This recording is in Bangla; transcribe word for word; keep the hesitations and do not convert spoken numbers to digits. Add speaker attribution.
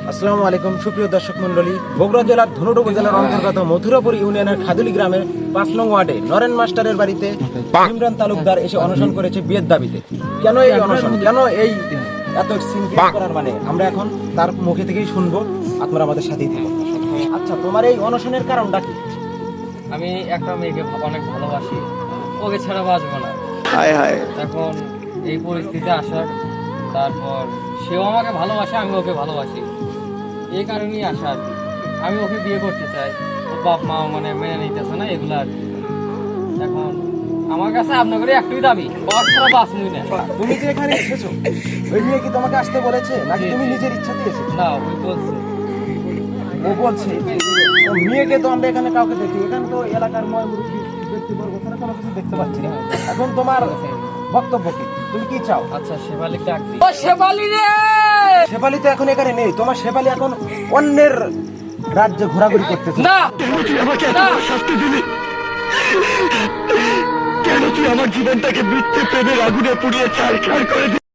Speaker 1: আসসালামু আলাইকুম সুপ্রিয় দর্শক মন্ডলী, বগুড়া জেলার ধনুট উপজেলার অন্তর্গত মথুরাপুর ইউনিয়নের খাদুলি গ্রামের পাঁচ নং ওয়ার্ডে নরেন মাস্টারের বাড়িতে ইমরান তালুকদার এসে অনশন করেছে বিয়ের দাবিতে। কেন এই অনশন, কেন এই এত সিনক্রেট করার মানে আমরা এখন তার মুখে থেকেই শুনবো। আপনারা আমাদের সাথেই থাকুন। আচ্ছা, তোমার এই অনশনের কারণটা কি?
Speaker 2: আমি একটা মেয়েকে অনেক ভালোবাসি, ওকে ছাড়া বাঁচবো না।
Speaker 1: হায় হায়।
Speaker 2: এখন এই পরিস্থিতি আসার, তারপর সেও আমাকে ভালোবাসে, আমি ওকে ভালোবাসি, এই কারণেই আসা আর কি। আমি ওকে বিয়ে করতে চাই, ওর বাপ মা মানে মেনে নিতেছে না এগুলো আর কি। এখন আমার কাছে আপনাদের একটাই দাবি, ওর ছাড়া বাঁচবই না।
Speaker 1: তুমি যে এখানে এসেছো, ওই মেয়ে কি তোমাকে আসতে বলেছে নাকি তুমি নিজের ইচ্ছাতে এসেছো?
Speaker 2: না, ওই বলছে।
Speaker 1: ও বলছে ও মেয়েকে তো আমরা এখানে কাউকে দেখি, এখানে তো এলাকার ময় মুরব্বী ব্যক্তিবর্গ ছাড়া কোনো কিছু দেখতে পাচ্ছি না। এখন তোমার বক্তব্য কি, তুমি কি চাও?
Speaker 2: আচ্ছা, শেফালি ডাক দিই। ও শেফালি রে!
Speaker 1: শেফালি তো এখন এখানে নেই, তোমার শেফালি এখন অন্যের রাজ্যে ঘোরাঘুরি করতেছে।
Speaker 2: না,
Speaker 3: তুই আমাকে এত বড় শাস্তি দিলি কেন? তুই আমার জীবনটাকে মৃত্যু প্রেমের আগুনে পুড়িয়ে ছাড় ছাড় করে দিলি।